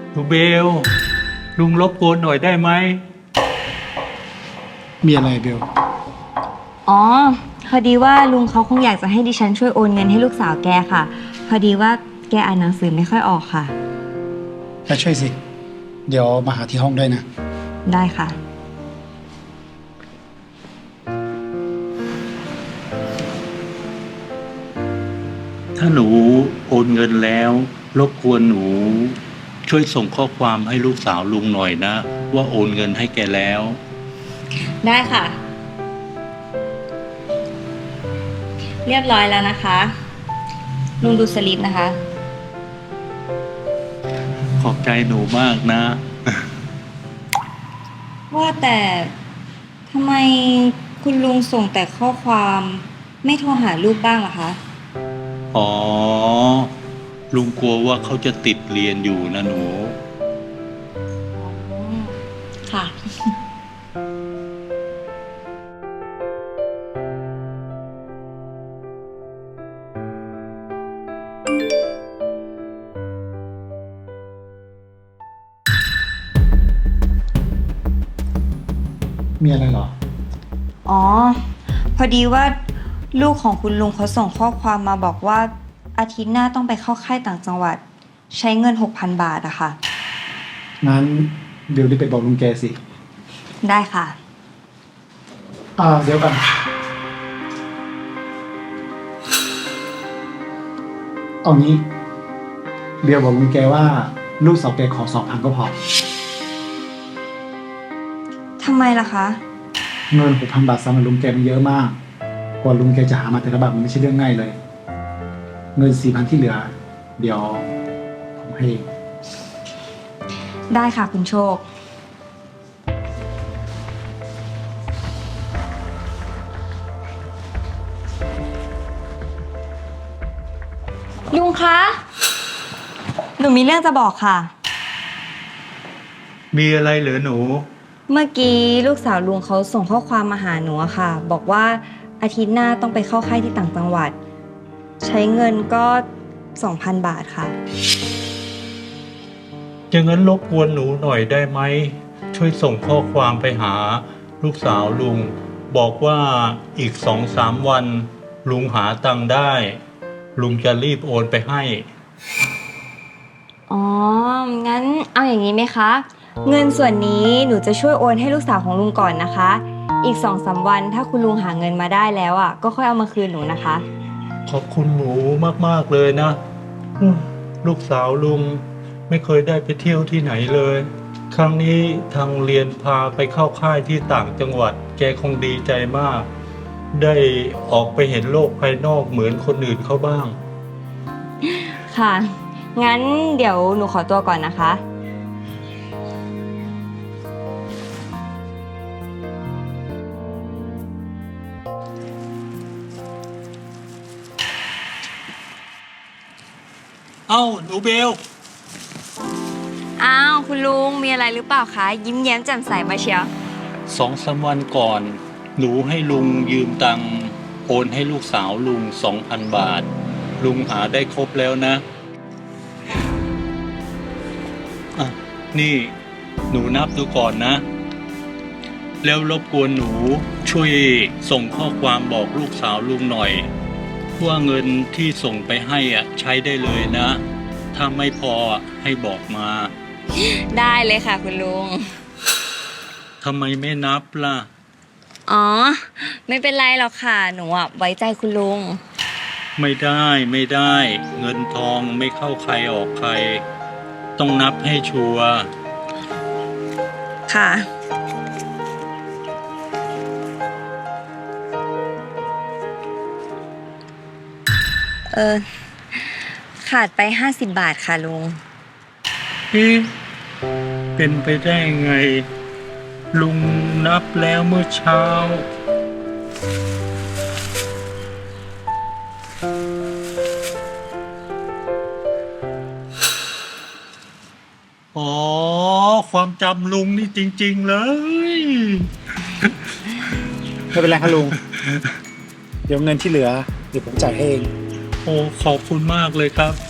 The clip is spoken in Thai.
หนูเบลลุงรบกวนหน่อยได้ไหมมีอะไรเบลอ๋อพอดีว่าลุงเขาคงอยากจะให้ดิฉันช่วยโอนเงินให้ลูกสาวแกค่ะ พอดีว่าแกอ่านหนังสือไม่ค่อยออกค่ะก็ช่วยสิ เดี๋ยวมาหาที่ห้องด้วยนะได้ค่ะถ้าหนูโอนเงินแล้วรบกวนหนูช่วยส่งข้อความให้ลูกสาวลุงหน่อยนะว่าโอนเงินให้แกแล้วได้ค่ะ เรียบร้อยแล้วนะคะ ลุงดูสลิปนะคะขอบใจหนูมากนะว่าแต่ทำไมคุณลุงส่งแต่ข้อความไม่โทรหาลูกบ้างล่ะคะอ๋อ ลุงกลัวว่าเขาจะติดเรียนอยู่นะหนูค่ะมีอะไรเหรออ๋อ พอดีว่าลูกของคุณลุงเขาส่งข้อความมาบอกว่าอาทิตย์หน้าต้องไปเข้าค่ายต่างจังหวัด ใช้เงิน 6,000 บาทอะค่ะงั้นเบลรีบไปบอกลุงแกสิได้ค่ะเดี๋ยวกันเอางี้เบลบอกลุงแกว่าลูกสาวแกขอ2,000ก็พอทำไมล่ะคะเงิน 6,000 บาทสำหรับลุงแกมันเยอะมาก กว่าลุงแกจะหามาแต่ละบาทมันไม่ใช่เรื่องง่ายเลย เงิน 4,000 ที่เหลือ เดี๋ยวผมให้เองได้ค่ะคุณโชค ลุงคะ หนูมีเรื่องจะบอกค่ะมีอะไรเหรอหนูเมื่อกี้ลูกสาวลุงเขาส่งข้อความมาหาหนูอะค่ะ บอกว่าอาทิตย์หน้าต้องไปเข้าค่ายที่ต่างจังหวัด ใช้เงินก็ 2,000 บาทค่ะอย่างนั้นรบกวนหนูหน่อยได้ไหม ช่วยส่งข้อความไปหาลูกสาวลุง บอกว่าอีก2-3 วัน ลุงหาตังค์ได้ ลุงจะรีบโอนไปให้อ๋อ งั้นเอาอย่างนี้ไหมคะ เงินส่วนนี้หนูจะช่วยโอนให้ลูกสาวของลุงก่อนนะคะ อีก 2-3 วันถ้าคุณลุงหาเงินมาได้แล้วอ่ะก็ค่อยเอามาคืนหนูนะคะขอบคุณหนูมากๆเลยนะลูกสาวลุงไม่เคยได้ไปเที่ยวที่ไหนเลย ครั้งนี้ทางเรียนพาไปเข้าค่ายที่ต่างจังหวัด แกคงดีใจมาก ได้ออกไปเห็นโลกภายนอกเหมือนคนอื่นเขาบ้างค่ะ งั้นเดี๋ยวหนูขอตัวก่อนนะคะเอ้าหนูเบลอ้าวคุณลุงมีอะไรหรือเปล่าคะ ยิ้มแย้มแจ่มใสมาเชียว 2-3 วันก่อน หนูให้ลุงยืมตังค์โอนให้ลูกสาวลุง 2,000 บาท ลุงหาได้ครบแล้วนะอ่ะนี่หนูนับดูก่อนนะ แล้วรบกวนหนูช่วยส่งข้อความบอกลูกสาวลุงหน่อย ว่าเงินที่ส่งไปให้อ่ะใช้ได้เลยนะ ถ้าไม่พอให้บอกมาได้เลยค่ะคุณลุงทำไมไม่นับล่ะอ๋อ ไม่เป็นไรหรอกค่ะ หนูอ่ะไว้ใจคุณลุงไม่ได้ไม่ได้ เงินทองไม่เข้าใครออกใคร ต้องนับให้ชัวร์ค่ะ ขาดไป50 บาทค่ะลุงเอ๊ะเป็นไปได้ไง ลุงนับแล้วเมื่อเช้า อ๋อ ความจำลุงนี่จริงๆเลยไม่เป็นไรครับลุง เดี๋ยวเงินที่เหลือ เดี๋ยวผมจ่ายให้เองโอ้ ขอบคุณมากเลยครับ